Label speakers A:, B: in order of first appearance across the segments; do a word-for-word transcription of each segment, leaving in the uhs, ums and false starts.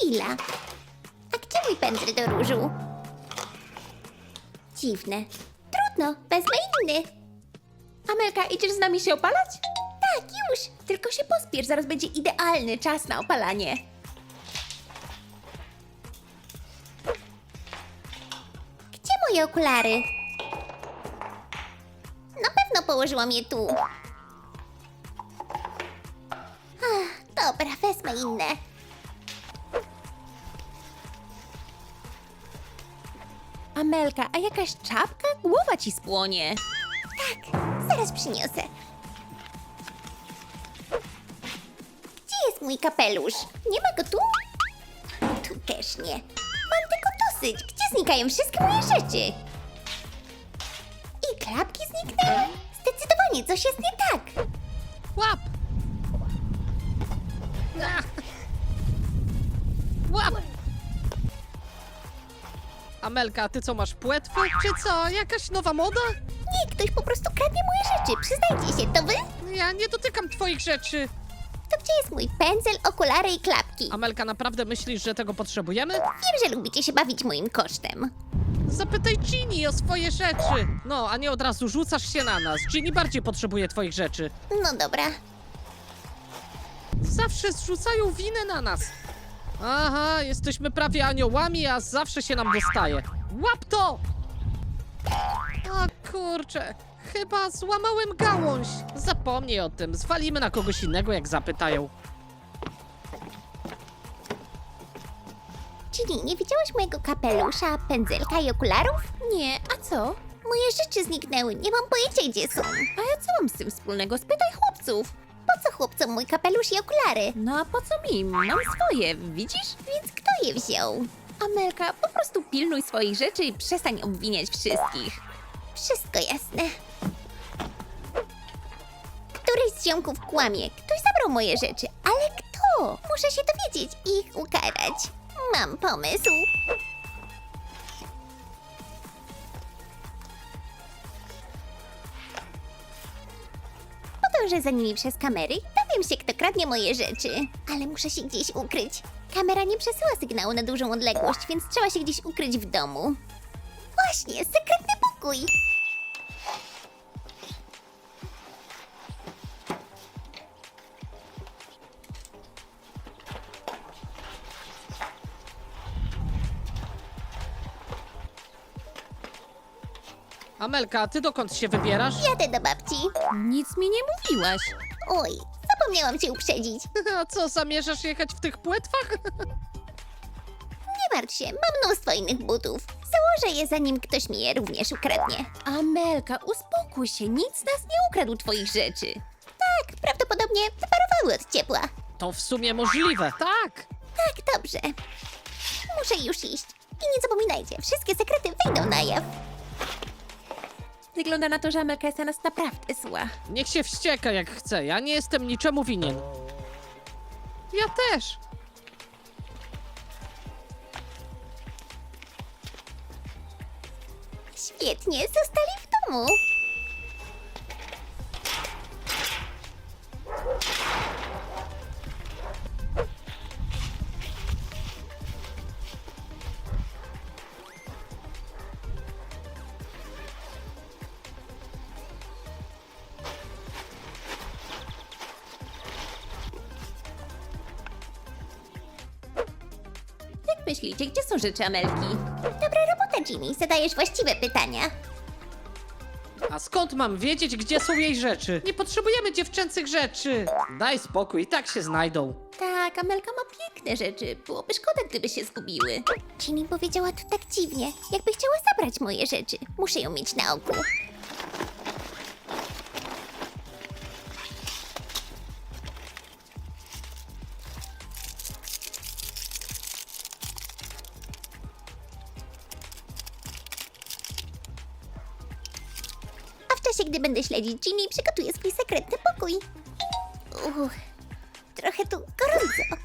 A: Chwila. A gdzie mój pędzel do różu? Dziwne. Trudno, wezmę inny.
B: Amelka, idziesz z nami się opalać?
A: Tak, już.
B: Tylko się pospiesz, zaraz będzie idealny czas na opalanie.
A: Gdzie moje okulary? Na pewno położyłam je tu. Ach, dobra, wezmę inne.
B: Amelka, a jakaś czapka? Głowa ci spłonie.
A: Tak, zaraz przyniosę. Gdzie jest mój kapelusz? Nie ma go tu? Tu też nie. Mam tego dosyć. Gdzie znikają wszystkie moje rzeczy? I klapki zniknęły? Zdecydowanie coś jest nie tak.
C: Łap! Ach. Łap! Amelka, ty co, masz płetwę? Czy co, jakaś nowa moda?
A: Nie, ktoś po prostu kradnie moje rzeczy. Przyznajcie się, to wy?
C: Ja nie dotykam twoich rzeczy.
A: To gdzie jest mój pędzel, okulary i klapki?
C: Amelka, naprawdę myślisz, że tego potrzebujemy?
A: Wiem, że lubicie się bawić moim kosztem.
C: Zapytaj Ginny o swoje rzeczy. No, a nie od razu rzucasz się na nas. Ginny bardziej potrzebuje twoich rzeczy.
A: No dobra.
C: Zawsze zrzucają winę na nas. Aha, jesteśmy prawie aniołami, a zawsze się nam dostaje. Łap to! O kurczę, chyba złamałem gałąź. Zapomnij o tym, zwalimy na kogoś innego, jak zapytają.
A: Ginny, nie widziałaś mojego kapelusza, pędzelka i okularów?
B: Nie, a co?
A: Moje rzeczy zniknęły, nie mam pojęcia gdzie są.
B: A ja co mam z tym wspólnego? Spytaj chłopców.
A: Po co chłopcom mój kapelusz i okulary?
B: No a po co mi? Mam swoje, widzisz?
A: Więc kto je wziął?
B: Amelka, po prostu pilnuj swoich rzeczy i przestań obwiniać wszystkich.
A: Wszystko jasne. Któryś z ziomków kłamie. Ktoś zabrał moje rzeczy, ale kto? Muszę się dowiedzieć i ich ukarać. Mam pomysł. Podążę za nimi przez kamery i dowiem się, kto kradnie moje rzeczy. Ale muszę się gdzieś ukryć. Kamera nie przesyła sygnału na dużą odległość, więc trzeba się gdzieś ukryć w domu. Właśnie, sekretny pokój.
C: Amelka, a ty dokąd się wybierasz?
A: Jadę do babci.
B: Nic mi nie mówiłaś.
A: Oj, zapomniałam cię uprzedzić.
C: A co, zamierzasz jechać w tych płetwach?
A: Nie martw się, mam mnóstwo innych butów. Założę je, zanim ktoś mi je również ukradnie.
B: Amelka, uspokój się, nic nas nie ukradł twoich rzeczy.
A: Tak, prawdopodobnie wyparowały od ciepła.
C: To w sumie możliwe, tak.
A: Tak, dobrze. Muszę już iść. I nie zapominajcie, wszystkie sekrety wyjdą na jaw.
B: Wygląda na to, że Amelka jest na nas naprawdę zła.
C: Niech się wścieka jak chce, ja nie jestem niczemu winien. Ja też.
A: Świetnie, zostali w domu.
B: Jak myślicie, gdzie są rzeczy Amelki?
A: Dobra robota, Ginny. Zadajesz właściwe pytania.
C: A skąd mam wiedzieć, gdzie są jej rzeczy? Nie potrzebujemy dziewczęcych rzeczy. Daj spokój, i tak się znajdą.
B: Tak, Amelka ma piękne rzeczy. Byłoby szkoda, gdyby się zgubiły.
A: Ginny powiedziała to tak dziwnie, jakby chciała zabrać moje rzeczy. Muszę ją mieć na oku. A w czasie, gdy będę śledzić Ginny, przygotuję swój sekretny pokój. Uch, trochę tu gorąco.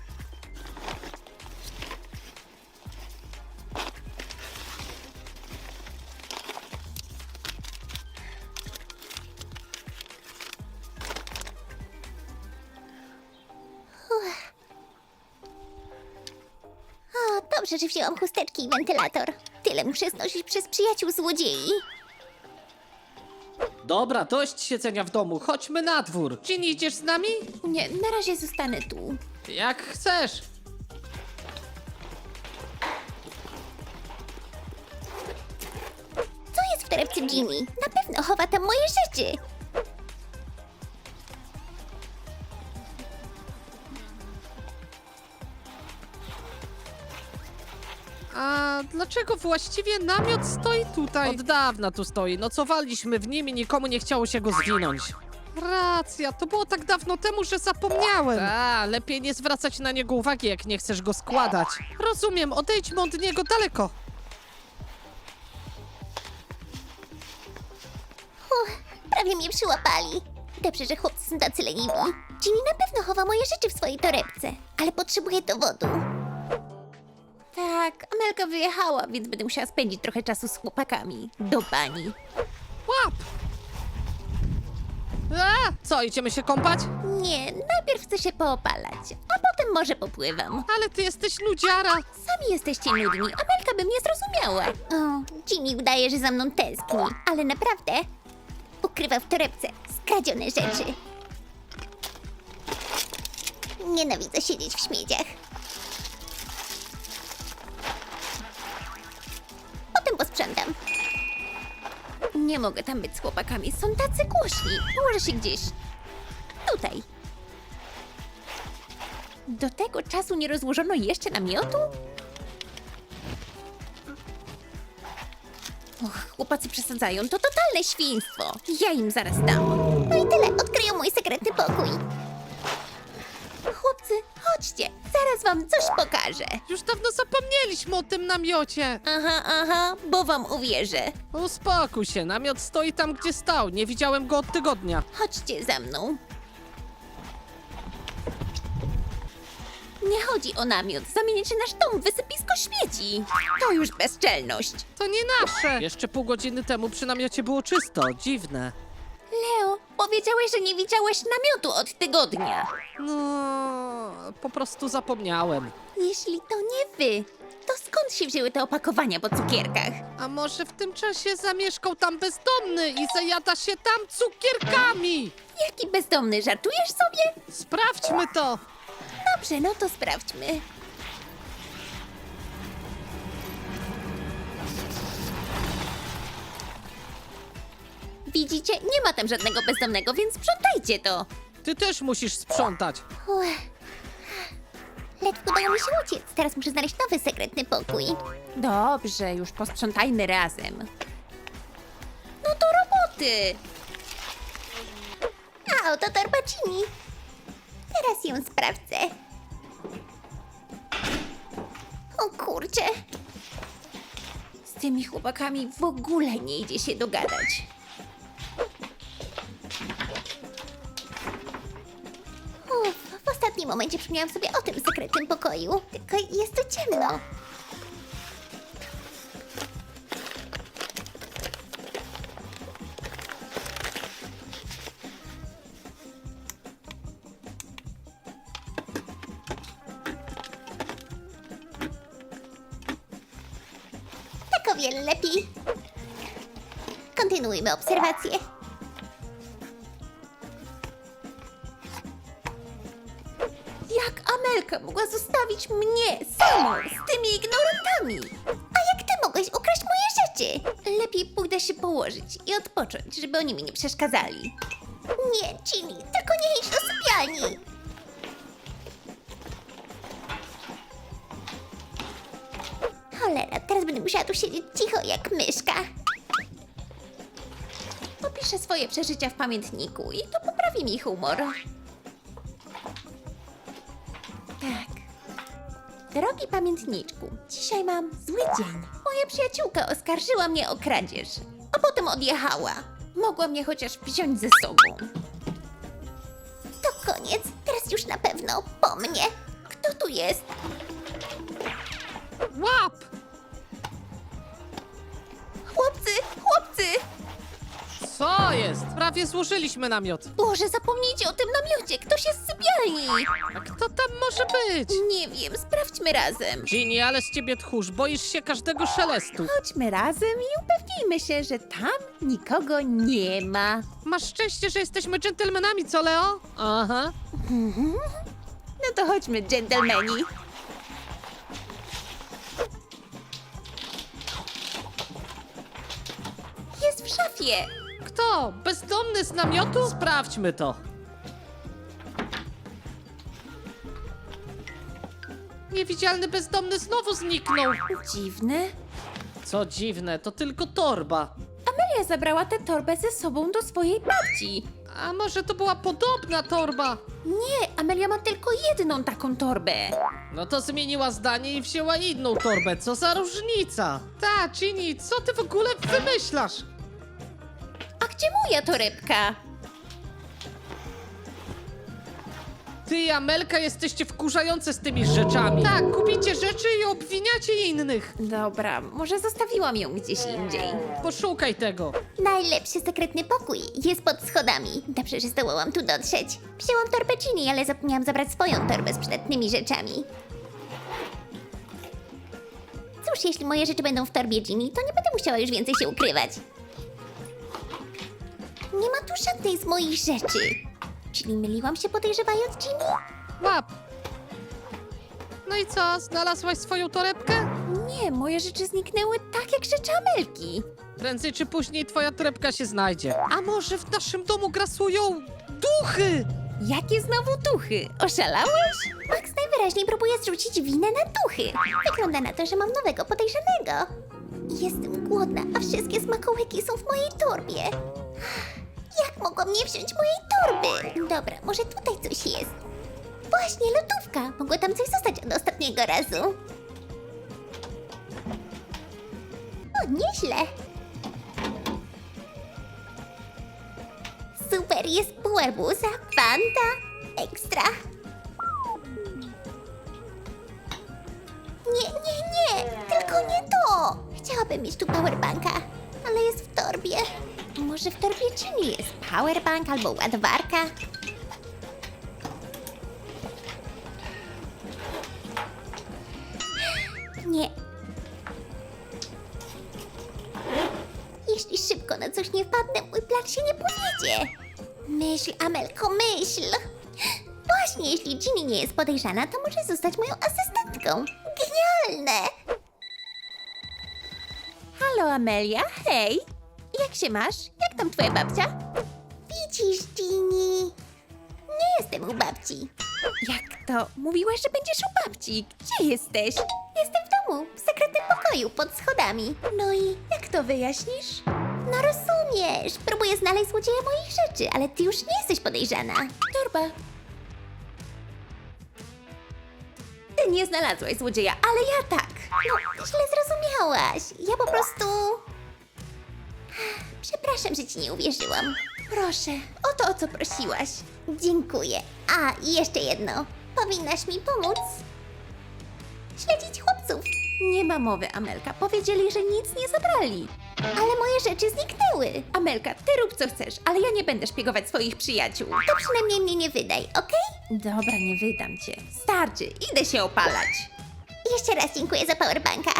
A: Dobrze, że wzięłam chusteczki i wentylator. Tyle muszę znosić przez przyjaciół złodziei.
C: Dobra, dość siedzenia w domu, chodźmy na dwór. Ginny, idziesz z nami?
B: Nie, na razie zostanę tu.
C: Jak chcesz.
A: Co jest w torebce Ginny? Na pewno chowa tam moje rzeczy.
C: A dlaczego właściwie namiot stoi tutaj? Od dawna tu stoi, nocowaliśmy w nim i nikomu nie chciało się go zwinąć. Racja, to było tak dawno temu, że zapomniałem. A, lepiej nie zwracać na niego uwagi, jak nie chcesz go składać. Rozumiem, odejdźmy od niego daleko.
A: Uff, prawie mnie przyłapali. Dobrze, że chłopcy są tacy leniwi. Ginny na pewno chowa moje rzeczy w swojej torebce, ale potrzebuję dowodu.
B: Tak, Amelka wyjechała, więc będę musiała spędzić trochę czasu z chłopakami. Do bani.
C: Łap! A, co, idziemy się kąpać?
B: Nie, najpierw chcę się poopalać, a potem może popływam.
C: Ale ty jesteś nudziara.
B: Sami jesteście nudni, Amelka by mnie zrozumiała.
A: O, Ginny udaje, że za mną tęskni, ale naprawdę ukrywa w torebce skradzione rzeczy. Nienawidzę siedzieć w śmieciach. Potem posprzątam.
B: Nie mogę tam być z chłopakami, są tacy głośni. Położę się gdzieś tutaj. Do tego czasu nie rozłożono jeszcze namiotu? Och, chłopacy przesadzają, to totalne świństwo. Ja im zaraz dam.
A: No i tyle, odkryją mój sekretny pokój.
B: Chłopcy, chodźcie, zaraz wam coś pokażę.
C: Już dawno zapomnieliśmy o tym namiocie.
B: Aha, aha, bo wam uwierzę.
C: Uspokój się, namiot stoi tam, gdzie stał. Nie widziałem go od tygodnia.
B: Chodźcie za mną. Nie chodzi o namiot. Zamienicie nasz dom w wysypisko śmieci. To już bezczelność.
C: To nie nasze. Jeszcze pół godziny temu przy namiocie było czysto. Dziwne.
B: Leo, powiedziałeś, że nie widziałeś namiotu od tygodnia.
C: No, po prostu zapomniałem.
B: Jeśli to nie wy, to skąd się wzięły te opakowania po cukierkach?
C: A może w tym czasie zamieszkał tam bezdomny i zajada się tam cukierkami?
B: Jaki bezdomny, żartujesz sobie?
C: Sprawdźmy to.
B: Dobrze, no to sprawdźmy. Widzicie, nie ma tam żadnego bezdomnego, więc sprzątajcie to.
C: Ty też musisz sprzątać.
A: Uff. Ledwo udało mi się uciec. Teraz muszę znaleźć nowy sekretny pokój.
B: Dobrze, już posprzątajmy razem. No to roboty!
A: A oto torba Ginny. Teraz ją sprawdzę. O kurczę.
B: Z tymi chłopakami w ogóle nie idzie się dogadać.
A: Uff, w ostatnim momencie przypomniałam sobie o tym sekretnym pokoju. Tylko jest tu ciemno. Tak o wiele lepiej. Kontynuujmy obserwację.
B: Jak Amelka mogła zostawić mnie samą z tymi ignorantami?
A: A jak ty mogłeś ukraść moje rzeczy?
B: Lepiej pójdę się położyć i odpocząć, żeby oni mi nie przeszkadzali.
A: Nie, Ginny, tylko nie idź do sypialni. Cholera, teraz będę musiała tu siedzieć cicho jak myszka.
B: Opiszę swoje przeżycia w pamiętniku i to poprawi mi humor. Tak. Drogi pamiętniczku, dzisiaj mam zły dzień. Moja przyjaciółka oskarżyła mnie o kradzież, a potem odjechała. Mogła mnie chociaż wziąć ze sobą.
A: To koniec, teraz już na pewno po mnie.
B: Kto tu jest?
C: Łap!
B: Chłopcy, chłopcy!
C: Co jest? Prawie złożyliśmy namiot.
B: Boże, zapomnijcie o tym namiocie, ktoś jest w sypialni.
C: A kto tam może być?
B: Nie wiem, sprawdźmy razem.
C: Ginny, ale z ciebie tchórz, boisz się każdego szelestu.
B: Chodźmy razem i upewnijmy się, że tam nikogo nie ma.
C: Masz szczęście, że jesteśmy dżentelmenami, co Leo? Aha.
B: No to chodźmy, dżentelmeni. Jest w szafie.
C: Kto? Bezdomny z namiotu? Sprawdźmy to. Niewidzialny bezdomny znowu zniknął.
B: Dziwne.
C: Co dziwne, to tylko torba.
B: Amelia zabrała tę torbę ze sobą do swojej babci.
C: A może to była podobna torba?
B: Nie, Amelia ma tylko jedną taką torbę.
C: No to zmieniła zdanie i wzięła inną torbę. Co za różnica? Ta, Ginny, co ty w ogóle wymyślasz?
B: A gdzie moja torebka?
C: Ty i Amelka jesteście wkurzające z tymi rzeczami. Tak, kupicie rzeczy i obwiniacie innych.
B: Dobra, może zostawiłam ją gdzieś indziej.
C: Poszukaj tego.
A: Najlepszy sekretny pokój jest pod schodami. Dobrze, że zdołałam tu dotrzeć. Wzięłam torbę Ginny, ale zapomniałam zabrać swoją torbę z przydatnymi rzeczami. Cóż, jeśli moje rzeczy będą w torbie Ginny, to nie będę musiała już więcej się ukrywać. Nie ma tu żadnej z moich rzeczy. Czyli myliłam się podejrzewając Ginny?
C: Łap. No i co, znalazłaś swoją torebkę?
B: Nie, moje rzeczy zniknęły tak jak rzeczy Amelki.
C: Prędzej czy później twoja torebka się znajdzie. A może w naszym domu grasują duchy?
B: Jakie znowu duchy? Oszalałeś?
A: Max najwyraźniej próbuje zrzucić winę na duchy. Wygląda na to, że mam nowego podejrzanego. Jestem głodna, a wszystkie smakołyki są w mojej torbie. Jak mogłam nie wziąć mojej torby? Dobra, może tutaj coś jest. Właśnie, lodówka. Mogło tam coś zostać od ostatniego razu. O, nieźle. Super, jest pół arbuza, fanta, ekstra. Nie, nie, nie, tylko nie to. Chciałabym mieć tu powerbanka, ale jest w torbie. Może w torbie Ginny jest powerbank albo ładowarka? Nie. Jeśli szybko na coś nie wpadnę, mój plan się nie powiedzie. Myśl, Amelko, myśl. Właśnie, jeśli Ginny nie jest podejrzana, to może zostać moją asystentką. Genialne!
B: Halo Amelia, hej! Jak się masz? Jak tam twoja babcia?
A: Widzisz, Ginny? Nie jestem u babci.
B: Jak to? Mówiłaś, że będziesz u babci. Gdzie jesteś?
A: Jestem w domu, w sekretnym pokoju, pod schodami. No i
B: Jak to wyjaśnisz?
A: no rozumiesz, próbuję znaleźć złodzieja moich rzeczy, ale ty już nie jesteś podejrzana.
B: Torba. Ty nie znalazłaś złodzieja, ale ja tak.
A: No, źle zrozumiałaś. Ja po prostu... Przepraszam, że ci nie uwierzyłam.
B: Proszę, o to, o co prosiłaś.
A: Dziękuję. A, i jeszcze jedno. Powinnaś mi pomóc śledzić chłopców.
B: Nie ma mowy, Amelka. Powiedzieli, że nic nie zabrali.
A: Ale moje rzeczy zniknęły.
B: Amelka, ty rób co chcesz, ale ja nie będę szpiegować swoich przyjaciół.
A: To przynajmniej mnie nie wydaj, okej?
B: Dobra, nie wydam cię. Starczy, idę się opalać.
A: Jeszcze raz dziękuję za powerbanka.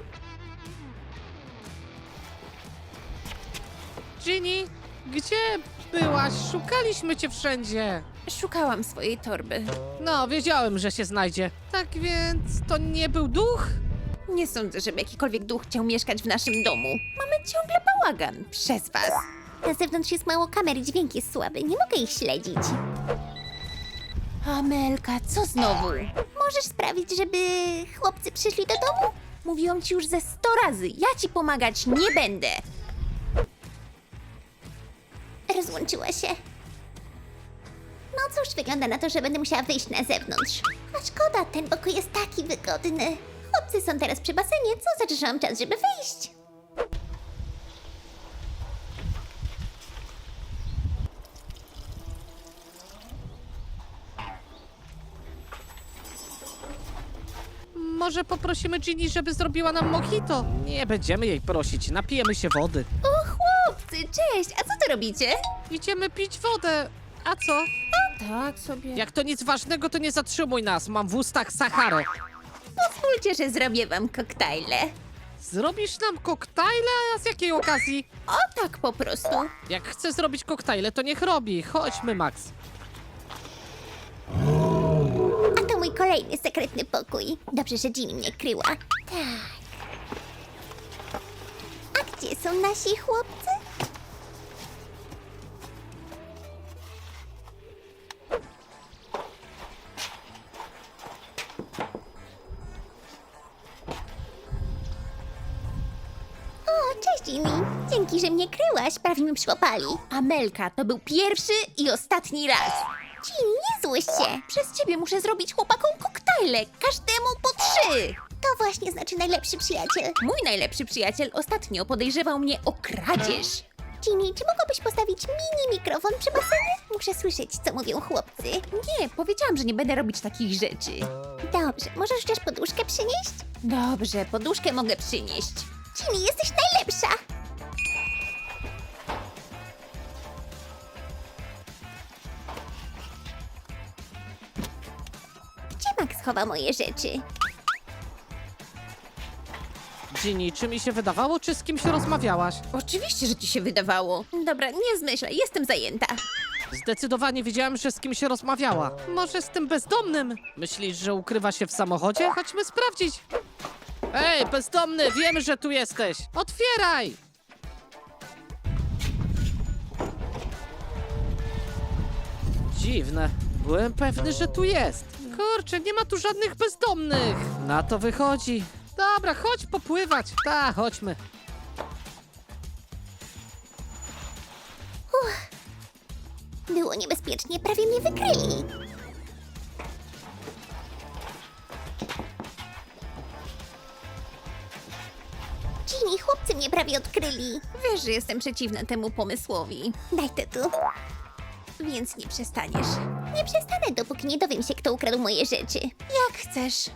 C: Ginny, gdzie byłaś? Szukaliśmy cię wszędzie.
B: Szukałam swojej torby.
C: No, wiedziałem, że się znajdzie. Tak więc to nie był duch?
B: Nie sądzę, żeby jakikolwiek duch chciał mieszkać w naszym domu. Mamy ciągle bałagan przez was.
A: Na zewnątrz jest mało kamer i dźwięk jest słaby. Nie mogę ich śledzić.
B: Amelka, co znowu?
A: Możesz sprawić, żeby chłopcy przyszli do domu?
B: Mówiłam ci już ze sto razy, ja ci pomagać nie będę.
A: Rozłączyła się. No cóż, wygląda na to, że będę musiała wyjść na zewnątrz. A szkoda, ten pokój jest taki wygodny. Chłopcy są teraz przy basenie, co znaczy, że mam czas, żeby wyjść.
C: Może poprosimy Ginny, żeby zrobiła nam mojito? Nie będziemy jej prosić, napijemy się wody.
B: O chłopcy, cześć, a co wy robicie?
C: Idziemy pić wodę. A co?
B: Tak sobie.
C: Jak to nic ważnego, to nie zatrzymuj nas. Mam w ustach Saharę.
B: Pozwólcie, że zrobię wam koktajle.
C: Zrobisz nam koktajle? A z jakiej okazji?
B: O tak po prostu.
C: Jak chce zrobić koktajle, to niech robi. Chodźmy, Max.
A: A to mój kolejny sekretny pokój. Dobrze, że Ginny mnie kryła. Tak. A gdzie są nasi chłopcy? O, cześć Ginny. Dzięki, że mnie kryłaś. Prawie mi przyłapali.
B: Amelka, to był pierwszy i ostatni raz.
A: Ginny, nie złość się.
B: Przez ciebie muszę zrobić chłopakom koktajle. Każdemu po trzy.
A: To właśnie znaczy najlepszy przyjaciel.
B: Mój najlepszy przyjaciel ostatnio podejrzewał mnie o kradzież.
A: Ginny, czy mogłabyś postawić mini mikrofon przy basenie? Muszę słyszeć, co mówią chłopcy.
B: Nie, powiedziałam, że nie będę robić takich rzeczy.
A: Dobrze, możesz chociaż poduszkę przynieść?
B: Dobrze, poduszkę mogę przynieść.
A: Ginny, jesteś najlepsza! Gdzie Max chowa moje rzeczy?
C: Ginny, czy mi się wydawało, czy z kimś rozmawiałaś?
B: Oczywiście, że ci się wydawało. Dobra, nie zmyślaj, jestem zajęta.
C: Zdecydowanie wiedziałem, że z kimś się rozmawiała. Może z tym bezdomnym? Myślisz, że ukrywa się w samochodzie? Chodźmy sprawdzić. Ej, bezdomny, wiemy, że tu jesteś. Otwieraj! Dziwne. Byłem pewny, że tu jest. Kurczę, nie ma tu żadnych bezdomnych. Na to wychodzi. Dobra, chodź popływać. Ta, chodźmy.
A: Było niebezpiecznie, prawie mnie wykryli. Ginny, chłopcy mnie prawie odkryli.
B: Wiesz, że jestem przeciwna temu pomysłowi,
A: Daj to tu.
B: więc nie przestaniesz.
A: Nie przestanę, dopóki nie dowiem się, kto ukradł moje rzeczy.
B: Jak chcesz.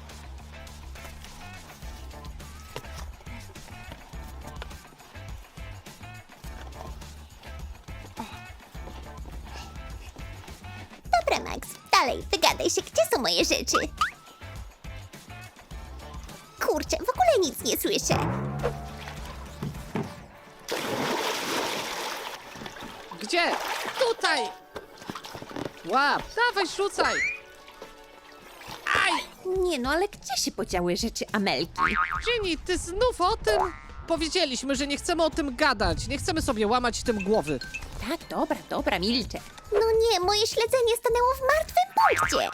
A: Dobra, Max, dalej, wygadaj się, gdzie są moje rzeczy? Kurczę, w ogóle nic nie słyszę.
C: Gdzie? Tutaj! Łap, dawaj, rzucaj! Aj!
B: Nie no, ale gdzie się podziały rzeczy Amelki?
C: Ginny, ty znów o tym? Powiedzieliśmy, że nie chcemy o tym gadać. Nie chcemy sobie łamać tym głowy.
B: Tak, dobra, dobra, milczę.
A: No nie, moje śledzenie stanęło w martwym punkcie.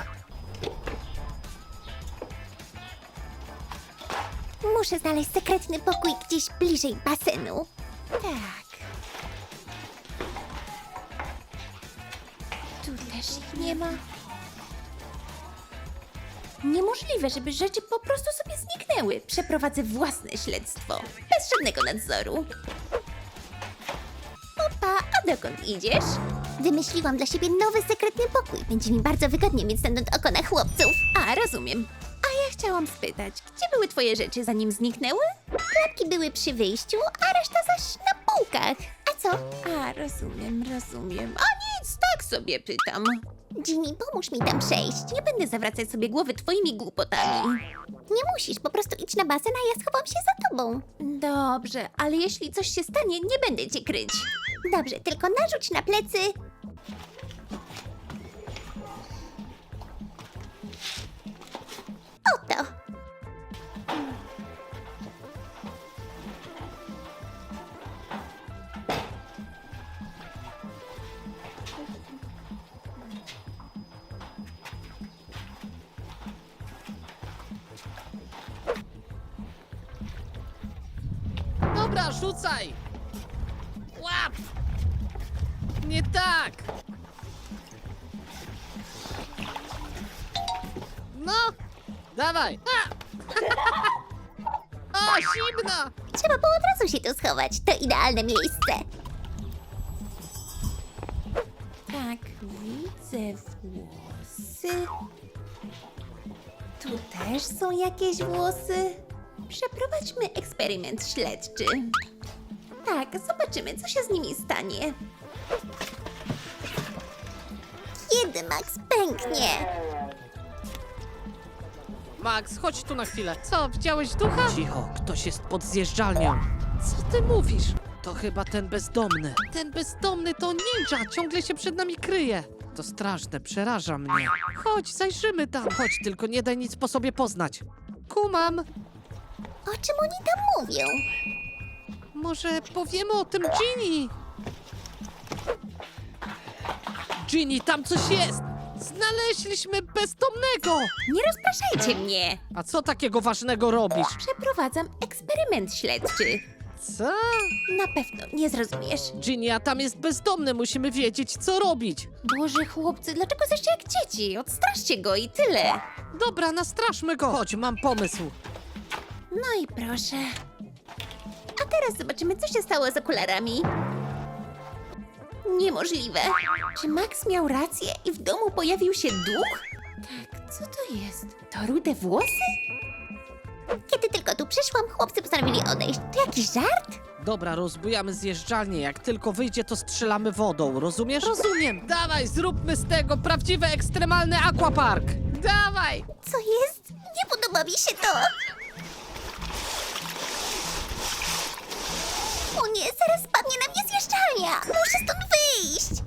A: Muszę znaleźć sekretny pokój gdzieś bliżej basenu.
B: Tak. Tu też ich nie ma. Niemożliwe, żeby rzeczy po prostu sobie zniknęły. Przeprowadzę własne śledztwo. Bez żadnego nadzoru. Opa, a dokąd idziesz?
A: Wymyśliłam dla siebie nowy sekretny pokój. Będzie mi bardzo wygodnie mieć stąd oko na chłopców.
B: A, rozumiem. A ja chciałam spytać, gdzie były twoje rzeczy, zanim zniknęły?
A: Klapki były przy wyjściu, a reszta zaś na półkach. A co?
B: A, rozumiem, rozumiem. A nic, tak sobie pytam.
A: Ginny, pomóż mi tam przejść.
B: Nie będę zawracać sobie głowy twoimi głupotami.
A: Nie musisz, po prostu idź na basen, a ja schowam się za tobą.
B: Dobrze, ale jeśli coś się stanie, nie będę cię kryć.
A: Dobrze, tylko narzuć na plecy. Oto.
C: Dobra, rzucaj! Łap! Nie tak! No! Dawaj! A! O, zimno!
A: Trzeba było od razu się tu schować. To idealne miejsce.
B: Tak, widzę włosy. Tu też są jakieś włosy. Przeprowadźmy eksperyment śledczy. Tak, zobaczymy, co się z nimi stanie.
A: Kiedy Max pęknie?
C: Max, chodź tu na chwilę. Co, widziałeś ducha? Cicho, ktoś jest pod zjeżdżalnią. Co ty mówisz? To chyba ten bezdomny. Ten bezdomny to ninja, ciągle się przed nami kryje. To straszne, przeraża mnie. Chodź, zajrzymy tam. Chodź, tylko nie daj nic po sobie poznać. Kumam.
A: O czym oni tam mówią?
C: Może powiemy o tym Ginny? Ginny, tam coś jest! Znaleźliśmy bezdomnego!
B: Nie rozpraszajcie mnie!
C: A co takiego ważnego robisz?
B: Przeprowadzam eksperyment śledczy.
C: Co?
B: Na pewno nie zrozumiesz.
C: Ginny, a tam jest bezdomny, musimy wiedzieć, co robić.
B: Boże, chłopcy, dlaczego jesteście jak dzieci? Odstraszcie go i tyle.
C: Dobra, nastraszmy go. Chodź, mam pomysł.
B: No i proszę. A teraz zobaczymy, co się stało z okularami. Niemożliwe. Czy Max miał rację i w domu pojawił się duch? Tak, co to jest? To rude włosy?
A: Kiedy tylko tu przyszłam, chłopcy postanowili odejść. To jakiś żart?
C: Dobra, rozbujamy zjeżdżalnię. Jak tylko wyjdzie, to strzelamy wodą, rozumiesz? Rozumiem. Dawaj, zróbmy z tego prawdziwy ekstremalny aquapark. Dawaj!
A: Co jest? Nie podoba mi się to! O nie, zaraz spadnie na mnie zjeżdżalnia! Muszę stąd wyjść!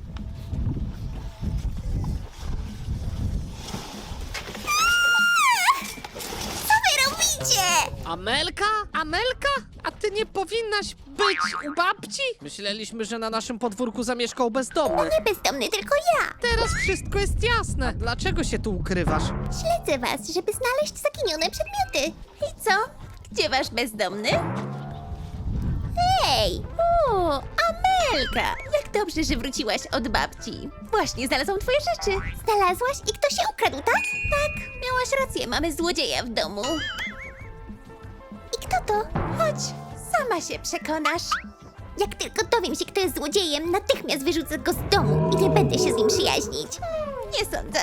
A: Co wy robicie?
C: Amelka? Amelka? A ty nie powinnaś być u babci? Myśleliśmy, że na naszym podwórku zamieszkał bezdomny.
A: Nie bezdomny, tylko ja!
C: Teraz wszystko jest jasne. Dlaczego się tu ukrywasz?
A: Śledzę was, żeby znaleźć zaginione przedmioty.
B: I co? Gdzie wasz bezdomny?
A: Hej!
B: O, Amelka! Jak dobrze, że wróciłaś od babci. Właśnie znalazłam twoje rzeczy.
A: Znalazłaś i ktoś się ukradł, tak?
B: Tak, miałaś rację, mamy złodzieja w domu.
A: I kto to?
B: Chodź, sama się przekonasz.
A: Jak tylko dowiem się, kto jest złodziejem, natychmiast wyrzucę go z domu i nie będę się z nim przyjaźnić.
B: Nie sądzę.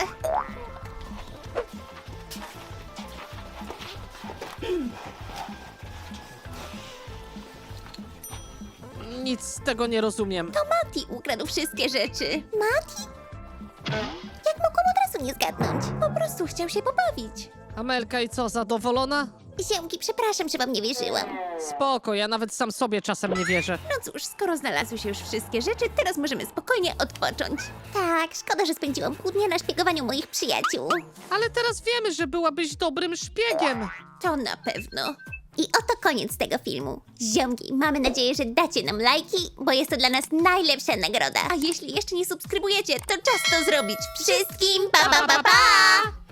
C: Nic z tego nie rozumiem.
B: To Mati ukradł wszystkie rzeczy.
A: Mati? Jak mogłam od razu nie zgadnąć?
B: Po prostu chciał się pobawić.
C: Amelka i co, zadowolona?
A: Ziomki, przepraszam, że wam nie wierzyłam.
C: Spoko, ja nawet sam sobie czasem nie wierzę.
B: No cóż, skoro znalazły się już wszystkie rzeczy, teraz możemy spokojnie odpocząć.
A: Tak, szkoda, że spędziłam pół dnia na szpiegowaniu moich przyjaciół.
C: Ale teraz wiemy, że byłabyś dobrym szpiegiem.
B: To na pewno.
A: I oto koniec tego filmu. Ziomki, mamy nadzieję, że dacie nam lajki, bo jest to dla nas najlepsza nagroda.
B: A jeśli jeszcze nie subskrybujecie, to czas to zrobić.
A: Wszystkim pa pa pa pa!